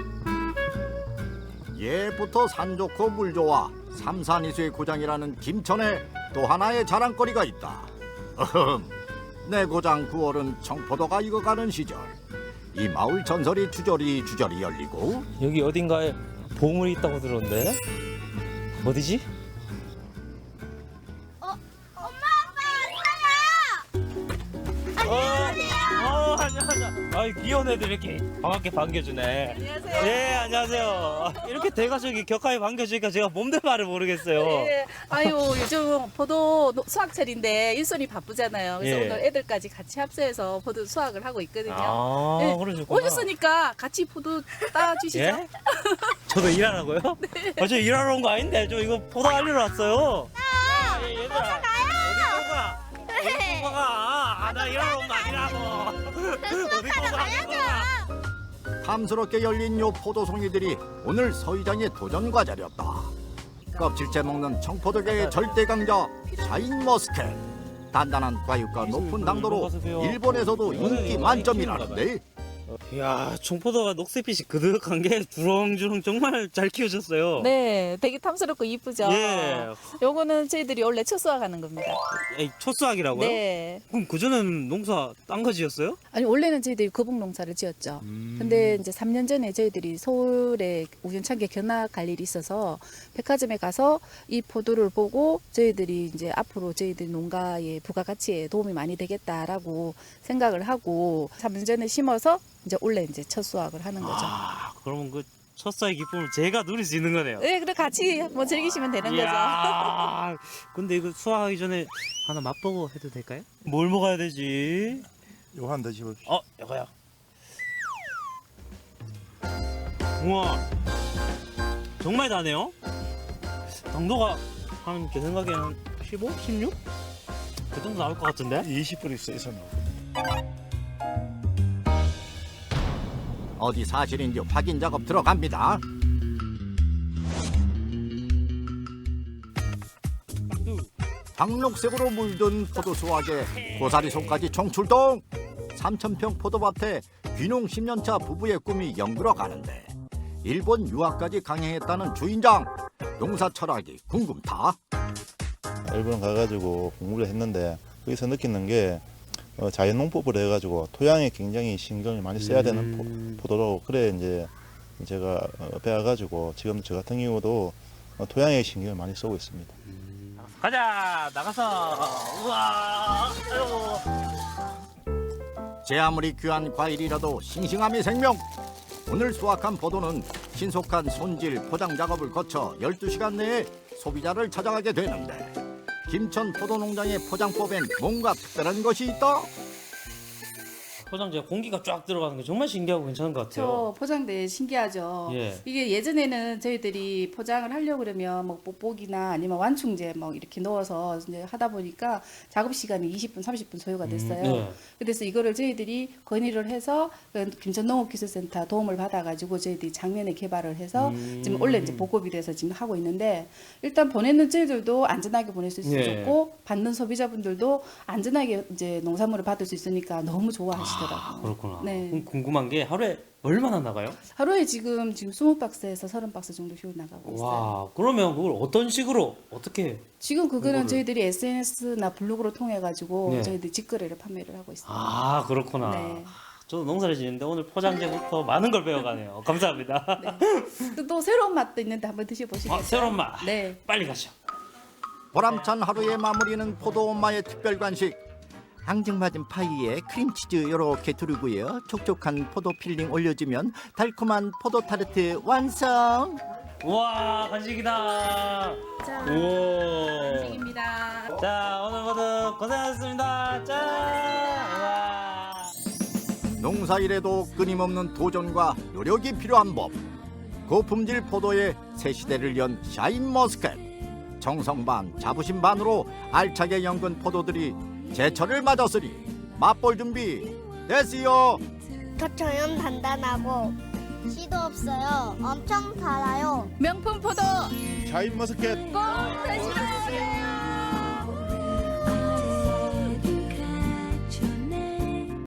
예부터 산 좋고 물 좋아 삼산이수의 고장이라는 김천에 또 하나의 자랑거리가 있다. 내 고장 9월은 청포도가 익어가는 시절. 이 마을 전설이 주저리 열리고 여기 어딘가에 보물이 있다고 들었는데 어디지? 안녕하세요. 아이 귀여운 애들 이렇게 반갑게 반겨주네. 안녕하세요. 네, 안녕하세요. 이렇게 대가족이 격하게 반겨주니까 제가 몸대 말을 모르겠어요. 네. 아유 요즘 포도 수확철인데 일손이 바쁘잖아요. 그래서 예. 오늘 애들까지 같이 합세해서 포도 수확을 하고 있거든요. 아, 네. 그러셨구나. 오셨으니까 같이 포도 따주시죠. 예? 저도 일하라고요? 네. 저 일하러 온 거 아닌데 저 이거 포도 알리러 왔어요. 야, 얘들아. 어디 가? 어디 가? 나 일하러 온 거 아니라고. 어디 가? 탐스럽게 열린 요 포도송이들이 오늘 서의장의 도전 과제였다. 껍질째 먹는 청포도계의 절대 강자 샤인머스켓. 단단한 과육과 높은 당도로 일본에서도 인기 만점이라는데 이야, 청포도가 녹색빛이 그득한 게 주렁주렁 정말 잘 키워졌어요. 네, 되게 탐스럽고 이쁘죠. 예. 요거는 저희들이 원래 첫 수확하는 겁니다. 에이, 첫 수확이라고요? 네. 그럼 그전엔 농사 딴 거 지었어요? 아니 원래는 저희들이 거북 농사를 지었죠. 근데 이제 3년 전에 저희들이 서울에 우연찮게 견학 갈 일이 있어서 백화점에 가서 이 포도를 보고 저희들이 이제 앞으로 저희들 농가의 부가가치에 도움이 많이 되겠다라고 생각을 하고 3년 전에 심어서 이제 올해 이제 첫 수확을 하는 거죠. 아, 그러면 그 첫사의 기쁨을 제가 누릴 수 있는 거네요. 네, 그래 같이 뭐 즐기시면 되는 거죠. 이야, 근데 이거 수확하기 전에 하나 맛보고 해도 될까요? 뭘 먹어야 되지? 요거 한 번 드셔보십시오. 이거요. 우와, 정말 다네요. 당도가 한 제 생각에는 15, 16? 그 정도 나올 것 같은데? 20분 있어요. 어디 사실인지 확인 작업 들어갑니다. 황록색으로 물든 포도 수확에 고사리 손까지 총출동. 3,000평 포도밭에 귀농 10년차 부부의 꿈이 연그러 가는데 일본 유학까지 강행했다는 주인장. 농사 철학이 궁금타. 일본 가가지고 공부를 했는데 거기서 느끼는 게 자연농법을 해가지고 토양에 굉장히 신경을 많이 써야 되는 포도로 그래 이제 제가 배워가지고 지금 저 같은 경우도 토양에 신경을 많이 쓰고 있습니다. 가자, 나가서. 우와, 아이고. 제 아무리 귀한 과일이라도 싱싱함이 생명. 오늘 수확한 포도는 신속한 손질 포장 작업을 거쳐 12시간 내에 소비자를 찾아가게 되는데 김천 포도농장의 포장법엔 뭔가 특별한 것이 있다. 포장재 공기가 쫙 들어가는 게 정말 신기하고 괜찮은 것 같아요. 저 포장대 신기하죠. 예. 이게 예전에는 저희들이 포장을 하려고 그러면 뭐 뽁뽁이나 아니면 완충제 뭐 이렇게 넣어서 이제 하다 보니까 작업 시간이 20분, 30분 소요가 됐어요. 네. 그래서 이거를 저희들이 건의를 해서 김천농업기술센터 도움을 받아가지고 저희들이 작년에 개발을 해서 지금 원래 이제 보급이 돼서 지금 하고 있는데 일단 보내는 저희들도 안전하게 보낼 수 있어서 예. 좋고 받는 소비자분들도 안전하게 이제 농산물을 받을 수 있으니까 너무 좋아하시더라고요. 그렇구나. 네. 그럼 궁금한 게 하루에 얼마나 나가요? 하루에 지금 20박스에서 30박스 정도 효율 나가고 있어요. 와, 그러면 그걸 어떤 식으로 어떻게? 지금 그거는 그거를- 저희들이 SNS나 블로그로 통해 가지고 네. 저희들이 직거래를 판매를 하고 있습니다. 아, 그렇구나. 네. 저도 농사를 지는데 오늘 포장재부터 많은 걸 배워가네요. 감사합니다. 또 새로운 맛도 있는데 한번 드셔보시겠어요? 새로운 맛. 네. 빨리 가시죠. 보람찬 하루의 마무리는 포도 엄마의 특별 간식. 앙증맞은 파이에 크림치즈 이렇게 두르고요. 촉촉한 포도 필링 올려주면 달콤한 포도 타르트 완성. 우와, 간식이다. 자, 우와. 간식입니다. 자, 오늘 모두 고생하셨습니다. 짠. 우와. 농사일에도 끊임없는 도전과 노력이 필요한 법. 고품질 포도의 새 시대를 연 샤인머스켓. 정성 반 자부심 반으로 알차게 연근 포도들이 제철을 맞았으니 맛볼 준비 됐어요. 겉처럼 단단하고 씨도 없어요. 엄청 달아요. 명품 포도 샤인머스켓 꼭 드시러 오세요.